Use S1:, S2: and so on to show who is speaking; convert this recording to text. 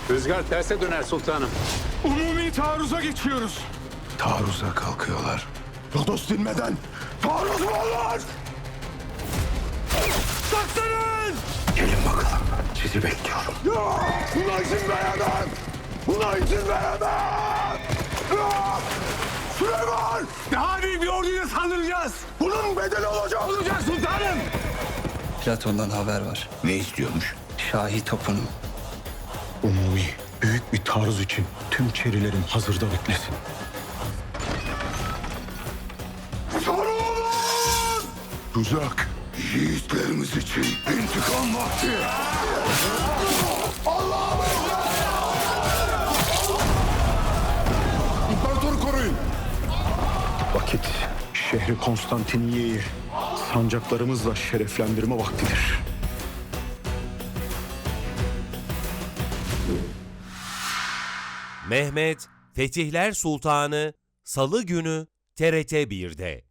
S1: Rüzgar terse döner sultanım.
S2: Umumi taarruza geçiyoruz.
S3: Taarruza kalkıyorlar.
S2: Rodos dinmeden taarruz mu olur? Saklanın!
S3: Gelin bakalım. Sizi bekliyorum.
S2: Ya! Buna izin veremem! Buna izin veremem! Ya! Süleyman! Daha büyük bir orduyla saldıracağız. Bunun bedeli olacak sultanım.
S4: Platon'dan haber var.
S3: Ne istiyormuş?
S4: Şahi topunun.
S2: Umumi büyük bir taarruz için tüm çerilerin hazırda beklesin. Sarılın!
S3: Tuzak. Yiğitlerimiz için intikam vakti. İmparatoru koruyun.
S2: Vakit şehri Konstantiniye'yi sancaklarımızla şereflendirme vaktidir.
S5: Mehmet Fetihler Sultanı Salı günü TRT 1'de.